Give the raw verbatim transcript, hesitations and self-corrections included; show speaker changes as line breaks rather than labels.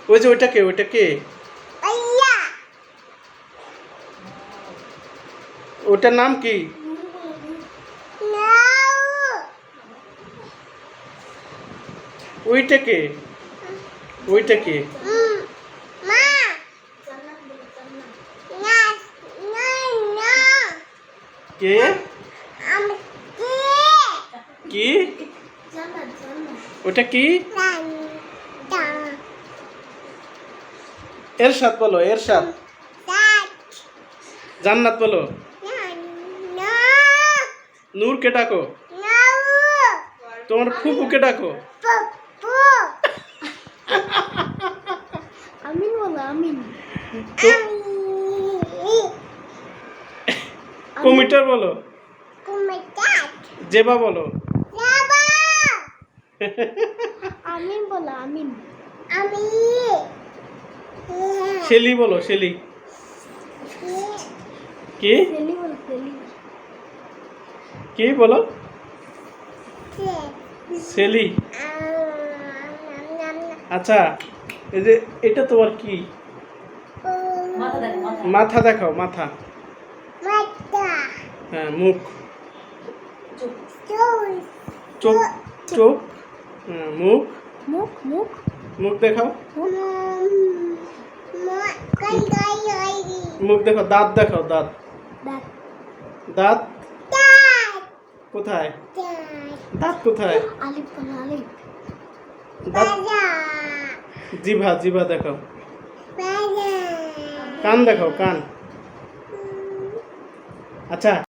ওই যে ওইটা কে ওইটা কে ওটার নাম কি? ওইটা কে ওইটা কে কে কি ওটা কি? এরশাদ বলো, এরশাদ। জান্নাত বলো। নূরকে ডাকো। তোমার ফুপুকে ডাকো।
আমিন বলো, আমিন।
কমিটার বলো। জেবা বলো।
আমিন বলো, আমিন।
শেলি বলো, শেলি। কি
সেলি বলো, সেলি।
কি বলো? শেলি। আচ্ছা, এই যে এটা তোমার কি? মাথা দেখাও, মাথা। হ্যাঁ, মুখ। চোখ, চোখ। হ্যাঁ, মুখ।
মুখ, মুখ।
মুখ দেখাও। মুখ দেখো, দাঁত দেখাও, দাঁত।
দাঁত।
দাঁত কোথায়? দাঁত কোথায়?
আলিফ বলো, আলিফ।
দাঁত। জিভা, জিভা দেখাও। কান দেখাও, কান। আচ্ছা।